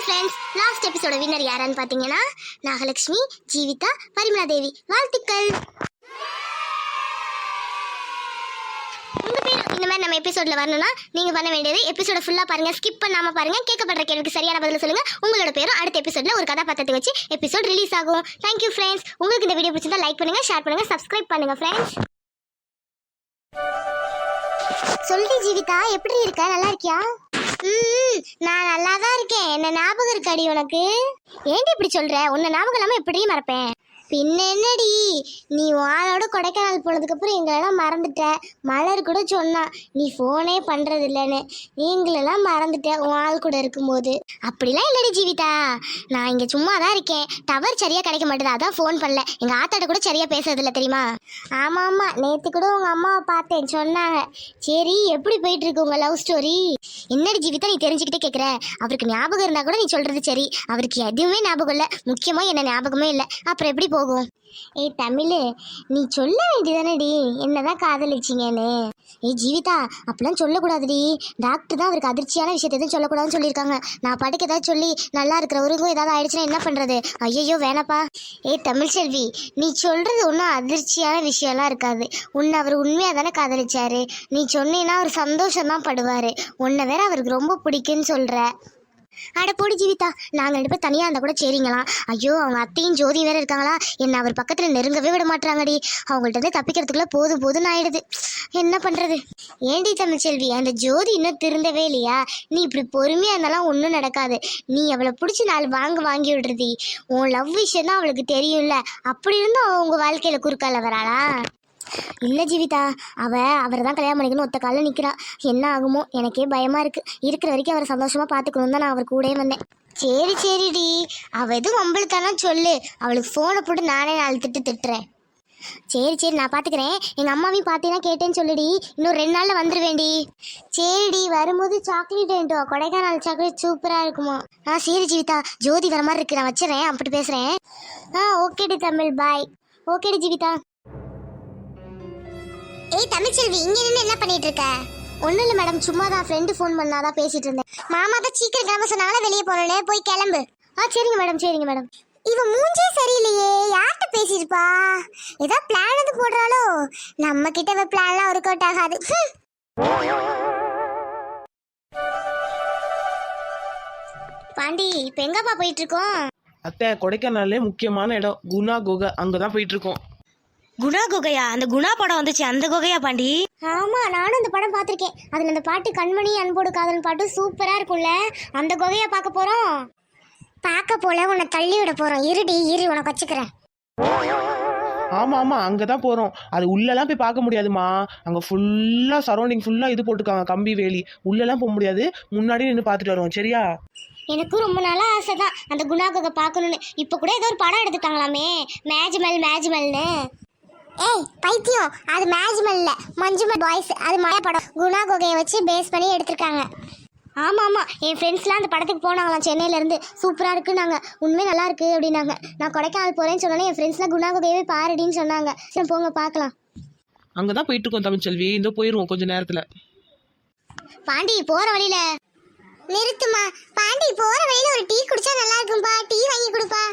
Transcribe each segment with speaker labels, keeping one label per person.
Speaker 1: Hi friends, last episode winner யாரான்னு பார்த்தீங்கன்னா நாகலட்சுமி, ஜீவிதா, பரிமளா தேவி. வாழ்த்துக்கள். உங்க பேர் இந்த மாதிரி நம்ம எபிசோட்ல வரணும்னா நீங்க பண்ண வேண்டியது எபிசோட ஃபுல்லா பாருங்க, ஸ்கிப் பண்ணாம பாருங்க. கேட்கப்படுற கேள்விக்கு சரியான பதில் சொல்லுங்க. உங்களோட பேரும் அடுத்த எபிசோட்ல ஒரு கதாபாத்திரத்தை வச்சு எபிசோட் ரிலீஸ் ஆகும். Thank you friends. உங்களுக்கு இந்த வீடியோ பிடிச்சிருந்தா லைக் பண்ணுங்க, ஷேர் பண்ணுங்க, சப்ஸ்கிரைப் பண்ணுங்க ஃப்ரெண்ட்ஸ். சொல்லி ஜீவிதா, எப்படி இருக்க? நல்லா இருக்கியா? நான் நல்லா தான் இருக்கேன். என்ன ஞாபகம் இருக்காடி உனக்கு? ஏன்டி இப்படி சொல்ற? உன்னை ஞாபகம் இல்லாம எப்படி மறப்பேன்? பின்ன என்னடி, நீ வானோட கொடைக்கானல் போனதுக்கு அப்புறம் எங்களெல்லாம் மறந்துட்ட. மலர் கூட சொன்னா நீ ஃபோனே பண்றது இல்லைன்னு. எங்களெல்லாம் மறந்துட்ட உன் ஆள் கூட இருக்கும்போது. அப்படிலாம் இல்லடி ஜீவிதா, நான் இங்க சும்மா தான் இருக்கேன். டவர் சரியா கிடைக்க மாட்டேது, அதான் ஃபோன் பண்ணல. எங்க ஆத்தாட்ட கூட சரியா பேசுறது இல்லை தெரியுமா? ஆமா ஆமா, நேத்து கூட உங்க அம்மாவை பார்த்தேன், சொன்னாங்க. சரி, எப்படி போயிட்டு இருக்கு உங்க லவ் ஸ்டோரி? என்னடி ஜீவிதா நீ தெரிஞ்சுக்கிட்டே கேட்குற? அவருக்கு ஞாபகம் இருந்தா கூட நீ சொல்றது சரி, அவருக்கு எதுவுமே ஞாபகம் இல்லை. முக்கியமா என்ன ஞாபகமே இல்லை. அப்புறம் எப்படி போகும்? ஏய் தமிழ், நீ சொல்ல வேண்டியதானடி என்னதான் காதலிச்சிங்கன்னு. ஏய் ஜீவிதா, அப்படிலாம் சொல்லக்கூடாதுடி. டாக்டர் தான் அவருக்கு அதிர்ச்சியான விஷயத்தை எதுவும் சொல்லக்கூடாதுன்னு சொல்லியிருக்காங்க. நான் பாட்டுக்கு ஏதாவது சொல்லி நல்லா இருக்கிறவருக்கும் ஏதாவது ஆயிடுச்சுன்னா என்ன பண்றது? ஐயோ வேணாப்பா. ஏய் தமிழ் செல்வி, நீ சொல்றது ஒன்றும் அதிர்ச்சியான விஷயம்லாம் இருக்காது. உன்னை அவர் உண்மையாக தானே காதலிச்சாரு. நீ சொன்னீன்னா அவர் சந்தோஷம்தான் படுவார். உன்னை வேற அவருக்கு ரொம்ப பிடிக்குன்னு சொல்கிற. அட போடி ஜீவிதா, நாங்கள் 2 பேர் தனியாக இருந்தால் கூட சரிங்களாம். ஐயோ, அவங்க அத்தையும் ஜோதி வேற இருக்காங்களா, என்னை அவர் பக்கத்தில் நெருங்கவே விட மாட்டாங்கடி. அவங்கள்ட்ட இருந்து தப்பிக்கிறதுக்குள்ள போதும் போதுன்னு ஆயிடுது. என்ன பண்ணுறது? ஏண்டி தமிழ்ச்செல்வி, அந்த ஜோதி இன்னும் திருந்தவே இல்லையா? நீ இப்படி பொறுமையாக இருந்தாலும் ஒன்றும் நடக்காது. நீ அவளை பிடிச்சி 4 வாங்கி விடுறதி. உன் லவ் விஷயம் தான் அவளுக்கு தெரியும்ல. அப்படி இருந்தும் அவள் உங்கள் வாழ்க்கையில் குறுக்கால வராளா? இல்லை ஜீவிதா, அவரை தான் கல்யாணம் பண்ணிக்கணும் ஒத்த காலில் நிற்கிறா. என்ன ஆகுமோ எனக்கே பயமாக இருக்குது. இருக்கிற வரைக்கும் அவரை சந்தோஷமாக பார்த்துக்கணும் தான் நான் அவர் கூடயே வந்தேன். சரிடி, அவள் எதுவும் வம்பளுத்தானா சொல்லு. அவளுக்கு ஃபோனை போட்டு நானே 4 திட்டுறேன். சரி நான் பார்த்துக்கிறேன். எங்கள் அம்மாவையும் பார்த்தீங்கன்னா கேட்டேன்னு சொல்லுடி. இன்னும் 2 நாளில் வந்துடுவேண்டி. சரிடி, வரும்போது சாக்லேட் வேண்டுவா. கொடைக்கானல் சாக்லேட் சூப்பராக இருக்குமா? சரி ஜீவிதா, ஜோதி வர மாதிரி இருக்கு, நான் வச்சுறேன். அப்படி பேசுகிறேன். ஓகேடி தமிழ், பாய். ஓகேடி ஜீவிதா. ஏய் தமிழ்ச்செல்வி, இங்க நின்று என்ன பண்ணிட்டு இருக்க? ஒன்றும் இல்லை மேடம், சும்மா தான் ஃப்ரெண்டு ஃபோன் பண்ணாதான் பேசிட்டு இருந்தேன். மாமா தான் சீக்கிரம் கிளம்ப சொன்னால வெளியே போனோன்னே போய் கிளம்பு. சரிங்க மேடம். இவ மூஞ்சே சரியில்லையே, யார்கிட்ட பேசியிருப்பா? ஏதோ பிளான் எது போடுறாளோ? நம்ம கிட்ட பிளான்லாம் ஒர்க் அவுட் ஆகாது. பாண்டி, இப்போ எங்கப்பா போயிட்டு இருக்கோம்?
Speaker 2: அத்தை, கொடைக்கானல்லே முக்கியமான இடம் குணா குகை, அங்கதான் போயிட்டு இருக்கோம்.
Speaker 3: குணா குகையா? அந்த குணா படம் வந்துச்சு, அந்த குகையா பாண்டி?
Speaker 1: ஆமா, நானும் அந்த படம் பார்த்திருக்கேன். அதுல அந்த பாட்டு கண்மணி அன்போடு காதல் பாட்டு சூப்பரா இருக்கும்ல. அந்த குகையா பார்க்க போறோம். பார்க்க போல உன்னை தள்ளி விட போறோம். இரு உனக்கு வச்சுக்கிறேன்.
Speaker 2: ஆமா அங்கதான் போறோம். அது உள்ளெல்லாம் போய் பார்க்க முடியாதுமா. அங்க ஃபுல்லா சரௌண்டிங் ஃபுல்லா இது போட்டுருக்காங்க, கம்பி வேலி. உள்ளெல்லாம் போக முடியாது, முன்னாடி நின்று பார்த்துட்டு வருவோம். சரியா?
Speaker 1: எனக்கும் ரொம்ப நாளா ஆசை தான் அந்த குணா குகை பார்க்கணும்னு. இப்போ கூட ஏதோ ஒரு படம் எடுத்துட்டாங்களாமே, மேஜ்மல்னு. ஏய் பைத்தியம், அது மேஜ்மல் இல்ல, மஞ்சுமல் பாய்ஸ். அது மழை படம். குணா குகையை வச்சு பேஸ் பண்ணி எடுத்திருக்காங்க. ஆமா, என் ஃப்ரெண்ட்ஸ்லாம் அந்த படத்துக்கு போனாங்களாம் சென்னையிலேருந்து. சூப்பராக இருக்குன்னாங்க, உண்மையே நல்லா இருக்கு அப்படின்னாங்க. நான் கொடைக்கானல் போகிறேன்னு சொன்னோன்னே என் ஃப்ரெண்ட்ஸ்லாம் குணா குகையவே பாருடின்னு சொன்னாங்க. சரி போங்க பார்க்கலாம்.
Speaker 2: அங்கதான் போயிட்டு இருக்கோம் தமிழ்ச்செல்வி, இந்த போயிருவோம் கொஞ்ச நேரத்துல.
Speaker 1: பாண்டி, போகிற வழியில நிறுத்துமா. பாண்டி, போகிற வழியில ஒரு டீ குடிச்சா நல்லா இருக்கும்பா. டீ வாங்கி கொடுப்பா.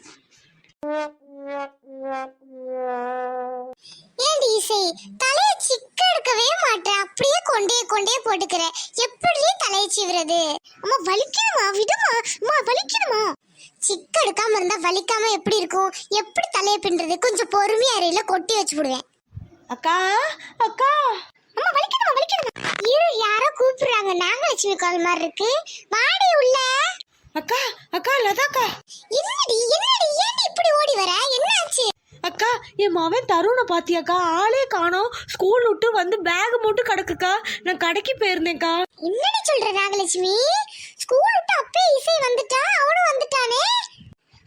Speaker 1: ஏண்டி இசை, தலையை சிக்க எடுக்கவே மாட்டேன், அப்படியே கொண்டே போட்டுக்கிற. எப்படி தலையை சீவுறது? அம்மா வலிக்கணுமா? விடுமா அம்மா, வலிக்கணுமா? சிக்க எடுக்காம இருந்தா வலிக்காம எப்படி இருக்கும்? எப்படி தலையை பின்றது? கொஞ்சம் பொறுமையா அறையில கொட்டி வச்சு விடுவேன்.
Speaker 3: அக்கா அக்கா,
Speaker 1: அம்மா வலிக்கணுமா? இரு, யாரோ கூப்பிடுறாங்க. நாகலட்சுமி கால் மாதிரி இருக்கு. வாடி உள்ள.
Speaker 3: அக்கா லதாக்கா.
Speaker 1: என்னடி ஏண்டி இப்படி ஓடி வர? என்ன ஆச்சு?
Speaker 3: அக்கா, என் மவன் தருணை பாத்தியாக்கா? ஆளே காணோம். ஸ்கூல் விட்டு வந்து பேக் மட்டும் கிடக்குக்கா. நான் கடைக்கு போயிருந்தேன்க்கா.
Speaker 1: என்னடி சொல்ற நாகலட்சுமி? ஸ்கூல் விட்டு அப்பே இசை வந்துட்டா, அவனும் வந்துட்டானே.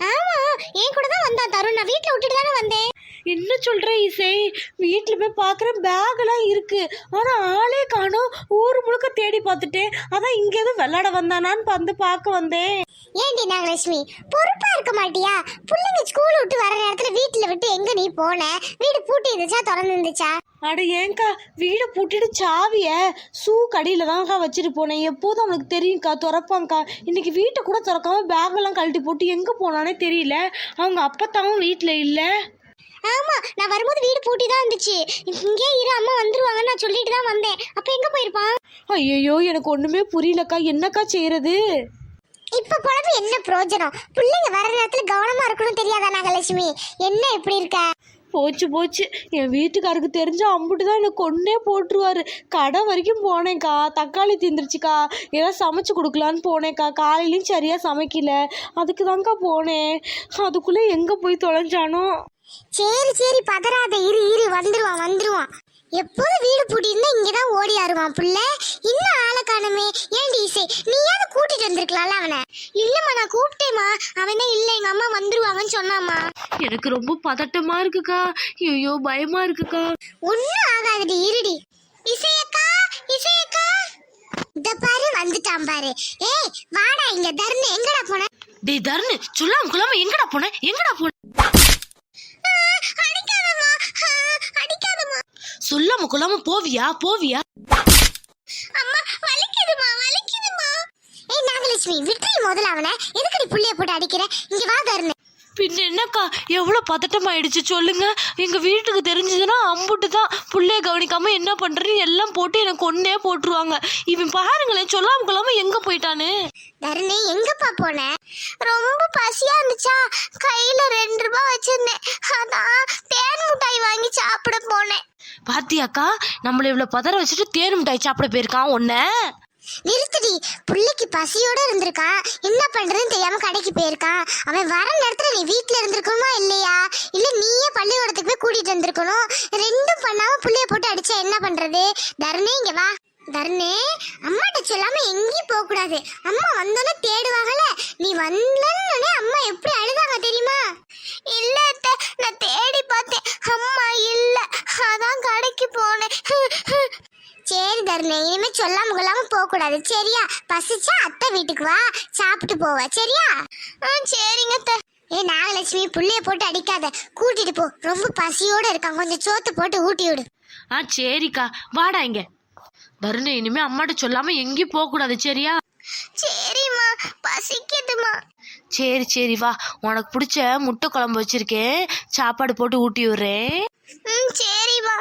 Speaker 1: ஆமா, என் கூட தான் வந்தான் தருண். நான் வீட்ல விட்டுட்டு தானே வந்தேன்.
Speaker 3: என்ன சொல்ற இசை? வீட்டில் போய் பார்க்குற பேக்கெல்லாம் இருக்கு, ஆனால் ஆளே காணோம். ஊர் முழுக்க தேடி பார்த்துட்டேன். அதான் இங்கே எதுவும் விளையாட வந்தானான்னு வந்து பார்க்க வந்தேன்.
Speaker 1: ஏண்டி நாகலட்சுமி, பொறுப்பா இருக்க மாட்டியா? பிள்ளைங்க ஸ்கூல் விட்டு வர நேரத்துல வீட்டுல விட்டு எங்க நீ போன? வீடு பூட்டி இருந்துச்சா திறந்து இருந்துச்சா?
Speaker 3: அட ஏங்கா, வீடை பூட்டிட்டு சாவிய ஷூ கடியில தான்க்கா வச்சுட்டு போனேன். எப்போதும் அவனுக்கு தெரியும்க்கா, திறப்பாங்க்கா. இன்னைக்கு வீட்டை கூட திறக்காம பேக்கெல்லாம் கழட்டி போட்டு எங்கே போனானே தெரியல. அவங்க அப்பத்தாவும் வீட்டில் இல்லை.
Speaker 1: ஆமா, நான் வரும்போது வீடு பூட்டி தான் இருந்துச்சு. இங்கே இரு, அம்மா வந்துருவாங்கன்னு நான் சொல்லிட்டு தான் வந்தேன். அப்ப எங்க போயிருப்பான்?
Speaker 3: ஐயோ, எனக்கு ஒன்றுமே புரியலக்கா. என்னக்கா செய்யறது?
Speaker 1: இப்ப குழம்பு என்ன பிரயோஜனம்? பிள்ளைங்க வர நேரத்துல கவனமா இருக்கணும் தெரியாதா நாகலட்சுமி? என்ன இப்படி இருக்க?
Speaker 3: போச்சு போச்சு, என் வீட்டுக்காருக்கு தெரிஞ்ச அம்புட்டு தான் எனக்கு கொன்னே போட்டுருவாரு. கடை வரைக்கும் போனேன்க்கா, தக்காளி தீந்துருச்சுக்கா. ஏதாவது சமைச்சு கொடுக்கலான்னு போனேன்க்கா. காலையிலையும் சரியா சமைக்கல, அதுக்கு தான்க்கா போனேன். அதுக்குள்ளே எங்கே போய் தொலைஞ்சானோ.
Speaker 1: சரி சரி, பதறாத, இரு இரு, வந்துருவான். எப்போதும் வீடு பூட்டி இருந்தா இங்கதான் ஓடி ஆடுவான் புள்ள. இன்னும் ஆளை காணுமே. ஏன்டி இசை, நீயாவது கூட்டிட்டு வந்திருக்கலாம்ல அவனை? இல்லம்மா, நான் கூப்பிட்டேம்மா. அவனே இல்ல, எங்க அம்மா வந்துருவாங்கன்னு சொன்னாமா.
Speaker 3: எனக்கு ரொம்ப பதட்டமா இருக்குக்கா. ஐயோ, பயமா இருக்குக்கா.
Speaker 1: ஒன்னும் ஆகாதுடி, இருடி. இசையக்கா, இசையக்கா, இந்த பாரு வந்துட்டான் பாரு. ஏய் வாடா இங்க. தர்ணு எங்கடா போன?
Speaker 3: டேய் தர்ணு, சொல்லாம குலாம எங்கடா போன?
Speaker 1: அடிக்காதம்மா, அடிக்காதம்மா.
Speaker 3: சொல்லாம குலாம போவியா?
Speaker 1: அம்மா வலிக்குதுமா. ஏய் நாகலட்சுமி, விட்டுறி முதல்ல அவனை. எதுக்கு நீ புள்ளைய போட்டு அடிக்கிற? இங்க வா தர்ணு.
Speaker 3: பின்ன என்னக்கா, எவ்வளோ பதட்டமாயிடுச்சு சொல்லுங்க. எங்க வீட்டுக்கு தெரிஞ்சதுன்னா அம்புட்டு தான். புள்ளைய கவனிக்காம என்ன பண்றேன்னு எல்லாம் போட்டு எனக்கு ஒன்னே போட்டுருவாங்க. இவன் பாருங்களேன், சொல்லாம கொள்ளாம எங்க போயிட்டானு.
Speaker 1: தர்ணு எங்கப்பா போன? ரொம்ப பசியா இருந்துச்சா, கையில 2 ரூபாய் வச்சிருந்தேன். அதான் தேன் மிட்டாய் வாங்கி சாப்பிட போனேன்.
Speaker 3: பாத்தியாக்கா, நம்மள இவ்வளவு பதற வச்சுட்டு தேன் மிட்டாய் சாப்பிட போயிருக்கான் ஒன்ன.
Speaker 1: நிறுத்தடி, புள்ளைக்கு பசியோட இருந்திருக்கான். என்ன பண்றதுன்னு தெரியாம கடைக்கு போயிருக்கான். அவன் வர நேரத்துல நீ வீட்டுல இருந்திருக்கணுமா இல்லையா? இல்ல நீயே பள்ளிக்கூடத்துக்கு போய் கூட்டிட்டு வந்திருக்கணும். ரெண்டும் பண்ணாம புள்ளைய போட்டு அடிச்சா என்ன பண்றது? தர்ணே இங்க வா. தர்ணே, அம்மாட்ட சொல்லாம எங்கேயும் போக கூடாது. அம்மா வந்தோன்னே தேடுவாங்கல்ல. நீ வந்தோன்னே அம்மா எப்படி அழுதாங்க தெரியுமா? இல்ல அத்தை, நான் தேடி பார்த்தேன், அம்மா இல்ல, அதான் கடைக்கு போனேன். சரி தர்ணே, இனிமே சொல்லாம கொள்ளாம போக கூடாது சரியா? பசிச்சா அத்தை வீட்டுக்கு வா, சாப்பிட்டு போவ சரியா? சரிங்க அத்தை. ஏ நாகலட்சுமி, புள்ளைய போட்டு அடிக்காத, கூட்டிட்டு போ. ரொம்ப பசியோட இருக்கான், கொஞ்சம் சோத்து போட்டு ஊட்டி விடு.
Speaker 3: சரிக்கா, வாடா இங்க. தருண, இனிமே அம்மாட்ட சொல்லாம எங்கேயும் போக கூடாது சரியா?
Speaker 1: சரிம்மா, பசிக்குதுமா.
Speaker 3: சரி வா, உனக்கு பிடிச்ச முட்டை குழம்பு வச்சிருக்கேன், சாப்பாடு போட்டு ஊட்டி விடுறேன்.
Speaker 1: சரிம்மா.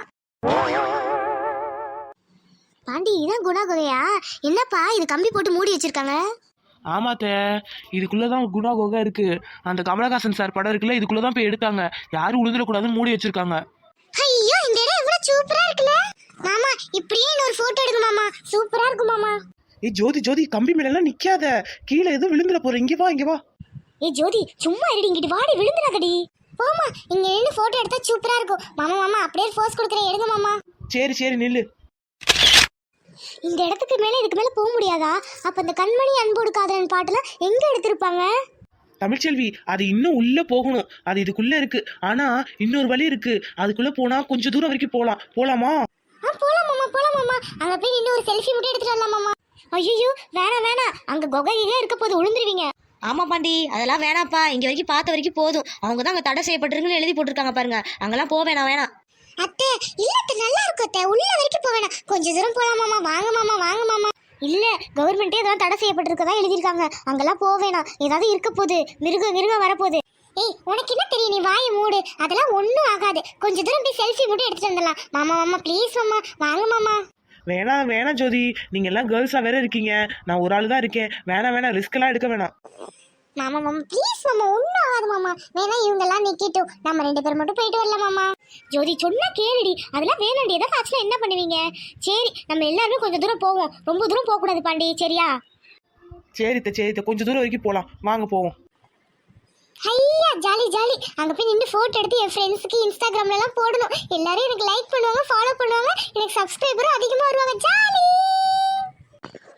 Speaker 1: பாண்டி, இதான் குணா குகையா? என்னப்பா இது கம்பி போட்டு மூடி வச்சிருக்காங்க?
Speaker 2: ஆமாத்த, இதுக்குள்ளதான் குணா குகை இருக்கு. அந்த கமலஹாசன் சார் படம் இருக்குல்ல, இதுக்குள்ளதான் போய் எடுத்தாங்க. யாரும் உழுந்துடக்கூடாதுன்னு மூடி வச்சிருக்காங்க.
Speaker 1: ஐயோ, இந்த இடம் எவ்வளவு சூப்பரா இருக்குல்ல மாமா. இப்படியே இன்னொரு போட்டோ எடுங்க மாமா, சூப்பரா இருக்கு மாமா.
Speaker 2: ஏய் ஜோதி, கம்பி மேல எல்லாம் நிக்காத, கீழே எதுவும் விழுந்துட போற. இங்க வா.
Speaker 1: ஏய் ஜோதி, சும்மா இருடி, இங்கிட்டு வாடி, விழுந்துடாதடி. போமா, இங்க நின்று போட்டோ எடுத்தா சூப்பரா இருக்கும். மாமா அப்படியே போஸ் கொடுக்குறேன், எடுங்க மாமா.
Speaker 2: சரி நில்லு.
Speaker 1: இந்த இடத்துக்கு மேல இதுக்கு மேல போக முடியாதா? அப்ப இந்த கண்மணி அன்போடு காதலன் பாட்டுலாம் எங்க எடுத்திருப்பாங்க?
Speaker 2: தமிழ்ச்செல்வி, அது இன்னும் உள்ள போகணும். அது இதுக்குள்ள இருக்கு. ஆனா இன்னொரு வழி இருக்கு. அதுக்குள்ள போனா கொஞ்சம் தூரம் வரைக்கும் போலாமா?
Speaker 1: போலாம் மாமா. அங்க போய் நின்று ஒரு செல்ஃபி மட்டும் எடுத்துட்டு வரலாம் மாமா. ஐயோ வேணாம், அங்க குகையே இருக்க போது, விழுந்துருவீங்க.
Speaker 4: ஆமா பாண்டி, அதெல்லாம் வேணாப்பா. இங்க வரைக்கும் பார்த்த வரைக்கும் போதும். அவங்க தான் அங்க தடை செய்யப்பட்டிருக்குன்னு எழுதி போட்டிருக்காங்க பாருங்க. அங்கெல்லாம் போக வேணாம்.
Speaker 1: அத்தை, இல்ல அத்தை, நல்லா இருக்கும் அத்தை. உள்ள வரைக்கும் போக வேணாம், கொஞ்சம் தூரம் போலாம் மாமா. வாங்க மாமா. இல்ல, கவர்மெண்டே அதெல்லாம் தடை செய்யப்பட்டிருக்கதா எழுதியிருக்காங்க. அங்கெல்லாம் போக வேணாம், ஏதாவது இருக்க போகுது, மிருகம் வரப்போகுது. ஏய், உனக்கு என்ன தெரியும்? நீ வாயை மூடு, அதெல்லாம் ஒன்றும் ஆகாது. கொஞ்சம் தூரம் போய் செல்ஃபி மட்டும் எடுத்துட்டு வந்துடலாம். மாமா ப்ளீஸ் மாமா, வாங்க மாமா.
Speaker 2: வேணாம் ஜோதி, நீங்க எல்லாம் கேர்ள்ஸா வேற இருக்கீங்க, நான் ஒரு ஆள் தான் இருக்கேன். வேணாம், ரிஸ்க் எல்லாம் எடுக்க வேணாம்.
Speaker 1: மாமா ப்ளீஸ் மாமா, ஒன்றும் ஆகாது மாமா. வேணா இவங்கெல்லாம் நிக்கட்டும், நம்ம 2 பேர் மட்டும் போயிட்டு வரலாம் மாமா. ஜோதி சொன்னா கேளுடி, அதெல்லாம் வேணாண்டி. ஏதாவது ஆச்சுன்னா என்ன பண்ணுவீங்க? சரி, நம்ம எல்லாருமே கொஞ்சம் தூரம் போவோம், ரொம்ப தூரம் போகக்கூடாது பாண்டி சரியா?
Speaker 2: சரித்த, கொஞ்சம் தூரம் வரைக்கும் போலாம், வாங்க போவோம்.
Speaker 1: ஐயா ஜாலி. அங்க போய் நின்று போட்டோ எடுத்து என் ஃப்ரெண்ட்ஸுக்கு இன்ஸ்டாகிராம்ல எல்லாம் போடணும். எல்லாரும் எனக்கு லைக் பண்ணுவாங்க, ஃபாலோ பண்ணுவாங்க, எனக்கு சப்ஸ்கிரைபரும் அதிகமா வருவாங்க. ஜாலி.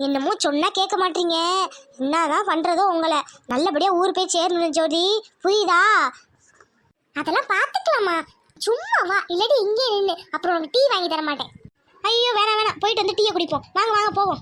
Speaker 1: என்னமோ சொன்னா கேட்க மாட்டீங்க. என்னதான் பண்றதோ உங்களை. நல்லபடியா ஊர் போய் சேரணும் ஜோதி, புரியுதா? அதெல்லாம் பாத்துக்கலாமா, சும்மா வா. இல்லாட்டி இங்கே நின்று அப்புறம் உனக்கு டீ வாங்கி தர மாட்டேன். ஐயோ வேணாம் வேணாம், போயிட்டு வந்து டீயை குடிப்போம். வாங்க வாங்க போவோம்.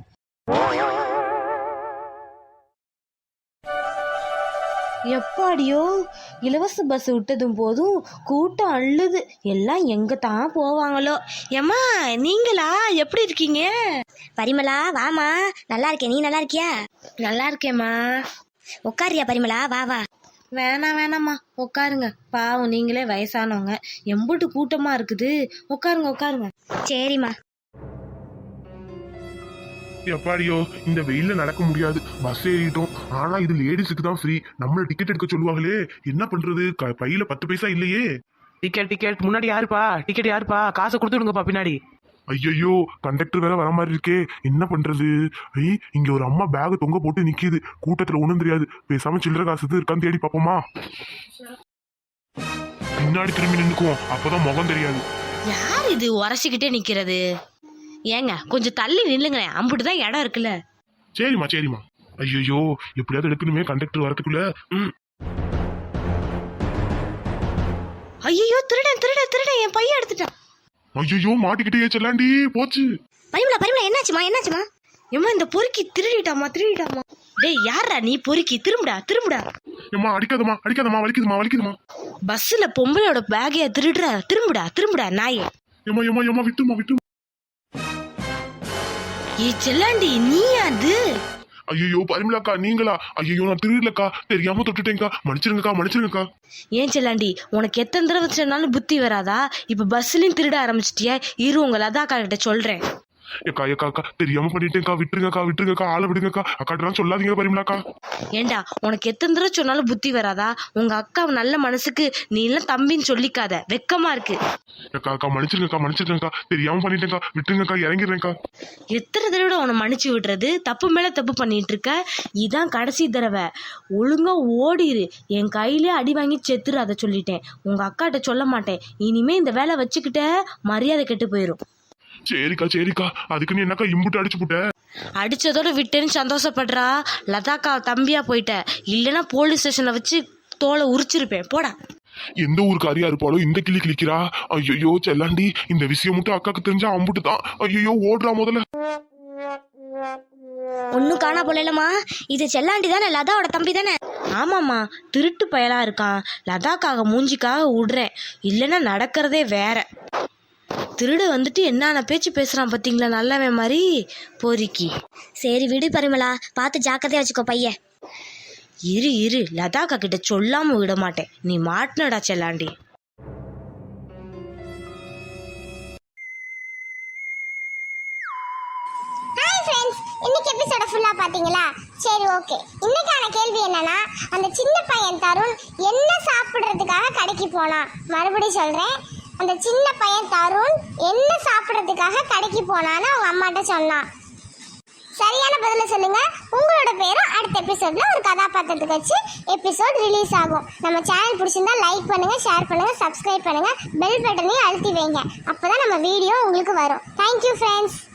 Speaker 3: எப்பாடியோ இலவச பஸ் விட்டதும் போதும் கூட்டம் அள்ளுது. எல்லாம் எங்க தான் போவாங்களோ.
Speaker 4: ஏம்மா நீங்களா, எப்படி இருக்கீங்க?
Speaker 1: பரிமளா வாமா. நல்லா இருக்கேன், நீ நல்லா இருக்கியா?
Speaker 4: நல்லா இருக்கேம்மா.
Speaker 1: உட்காரியா பரிமளா? வா வா.
Speaker 4: வேணாம்மா, உட்காருங்க. பாவம் நீங்களே வயசானவங்க, எம்புட்டு கூட்டமா இருக்குது. உட்காருங்க.
Speaker 1: சரிம்மா.
Speaker 5: எப்பாடியோ இந்த வெயில்ல நடக்க முடியாது, பஸ் ஏறிட்டோம். ஆனா இது லேடிஸுக்கு தான் ஃப்ரீ. நம்மள டிக்கெட் எடுக்க சொல்லுவாங்களே, என்ன பண்றது? பையில 10 பைசா இல்லையே.
Speaker 2: டிக்கெட் முன்னாடி யாருப்பா? டிக்கெட் யாருப்பா? காசை கொடுத்துடுங்கப்பா பின்னாடி.
Speaker 5: ஐயோ, கண்டக்டர் வேற வர மாதிரி இருக்கே, என்ன பண்றது? இங்க ஒரு அம்மா பேக் தொங்க போட்டு நிக்குது. கூட்டத்துல ஒண்ணும் தெரியாது. பேசாம சில்லற காசு இருக்கான்னு தேடி பாப்போமா? பின்னாடி திரும்பி நின்னுக்குவோம், அப்பதான் முகம் தெரியாது.
Speaker 4: யார் இது உரசிக்கிட்டே நிக்கிறது? ஏங்க கொஞ்சம் தள்ளி நில்லுங்களேன், அம்புட்டு தான் இடம் இருக்குல்ல.
Speaker 5: சரிம்மா. ஐயோ, எப்படியாவது எடுக்கணுமே கண்டக்டர் வரதுக்குள்ள.
Speaker 4: ஐயோ திருடன் என் பையன் எடுத்துட்டான்.
Speaker 5: ஐயோ, மாட்டிக்கிட்டே செல்லாண்டி போச்சு.
Speaker 1: பரிமளா என்னாச்சுமா?
Speaker 4: ஏம்மா இந்த பொறுக்கி திருடிட்டாமா. டேய் யாரா நீ பொறுக்கி? திரும்புடா.
Speaker 5: ஏம்மா அடிக்காதம்மா, வலிக்குதுமா.
Speaker 4: பஸ்ல பொம்பளையோட பேக்கைய திரும்புடா நாயே.
Speaker 5: ஏம்மா விட்டுமா.
Speaker 4: ஏ செல்லாண்டி நீயா அது?
Speaker 5: ஐயோ பரிமளாக்கா, நீங்களா? ஐயோ நான் திருடலக்கா, தெரியாம தொட்டுட்டேங்க்கா, மன்னிச்சிருங்கக்கா.
Speaker 4: ஏன் செல்லாண்டி, உனக்கு எத்தனை தடவை சொன்னாலும் புத்தி வராதா? இப்ப பஸ்லயும் திருட ஆரம்பிச்சிட்டியா? இரு உங்க லதாக்கா கிட்ட சொல்றேன்.
Speaker 5: ஏக்கா தெரியாம பண்ணிட்டேங்க்கா, விட்டுருங்கக்கா, ஆளை விடுங்கக்கா. அக்காட்டெல்லாம் சொல்லாதீங்க பரிமளாக்கா.
Speaker 4: ஏண்டா உனக்கு எத்தனை தடவை சொன்னாலும் புத்தி வராதா? உங்க அக்கா நல்ல மனசுக்கு நீ எல்லாம் தம்பின்னு சொல்லிக்காத, வெக்கமா இருக்கு.
Speaker 5: அக்கா மன்னிச்சிருங்கக்கா, தெரியாம பண்ணிட்டேங்க்கா, விட்டுருங்கக்கா, இறங்கிடுறேன்க்கா.
Speaker 4: எத்தனை தடவை உன்னை மன்னிச்சு விடுறது? தப்பு மேல தப்பு பண்ணிட்டு இருக்க. இதான் கடைசி தடவை. ஒழுங்கா ஓடிரு. என் கையிலே அடி வாங்கி செத்துரு, அதை சொல்லிட்டேன். உங்க அக்காட்ட சொல்ல மாட்டேன். இனிமே இந்த வேலை வச்சுக்கிட்ட மரியாதை கெட்டு போயிரும்.
Speaker 5: சரிக்கா, அதுக்கு நீ என்னக்கா இம்புட்டு அடிச்சு போட்ட?
Speaker 4: அடிச்சதோட விட்டேன்னு சந்தோஷப்படுறா. லதாக்கா தம்பியா போயிட்ட, இல்லைன்னா போலீஸ் ஸ்டேஷன்ல வச்சு தோலை உரிச்சிருப்பேன். போடா.
Speaker 5: எந்த ஊருக்காரியா இருப்பாளோ இந்த கிளிக்கிறா. ஐயோ செல்லாண்டி, இந்த விஷயம் மட்டும் அக்காக்கு தெரிஞ்சா அம்புட்டு தான். ஐயோ ஓடுறா முதல்ல.
Speaker 1: ஒன்னும் காணா போலமா. இது செல்லாண்டி தானே, லதாவோட தம்பி தானே?
Speaker 4: ஆமாம்மா, திருட்டு பயலா இருக்கான். லதாக்காக மூஞ்சிக்காக விடுறேன், இல்லைன்னா நடக்கிறதே வேற. திருட வந்துட்டு என்னென்ன பேச்சு பேசுறான் பாத்தீங்களா, நல்லவன் மாதிரி பொறுக்கி.
Speaker 1: சரி விடு பரிமளா, பார்த்து ஜாக்கிரதையா வச்சுக்கோ பையன்.
Speaker 4: இரு லதாக்கா கிட்ட சொல்லாம விட மாட்டேன். நீ மாட்டினடா செல்லாண்டி.
Speaker 1: ஹாய் ஃப்ரெண்ட்ஸ், இன்னைக்கு எபிசோட ஃபுல்லா பாத்தீங்களா? சரி ஓகே. இன்னைக்கான கேள்வி என்னன்னா, அந்த சின்ன பையன் தருண் என்ன சாப்பிடுறதுக்காக கடைக்கு போனான்? மறுபடியும் சொல்றேன், அந்த சின்ன பையன் தருண் என்ன சாப்பிடுறதுக்காக கடைக்கு போனான்னு அவங்க அம்மாட்ட சொன்னான். சரியான பதில சொல்லுங்க. உங்களோட பேரும் அடுத்த எபிசோட்ல ஒரு கதாபாத்திரத்துக்கு வச்சு எபிசோட் ரிலீஸ் ஆகும். நம்ம சேனல் பிடிச்சிருந்தா லைக் பண்ணுங்க, ஷேர் பண்ணுங்க, சப்ஸ்கிரைப் பண்ணுங்க, பெல் பட்டனையும் அழுத்தி வைங்க. அப்பதான் நம்ம வீடியோ உங்களுக்கு வரும். Thank you friends.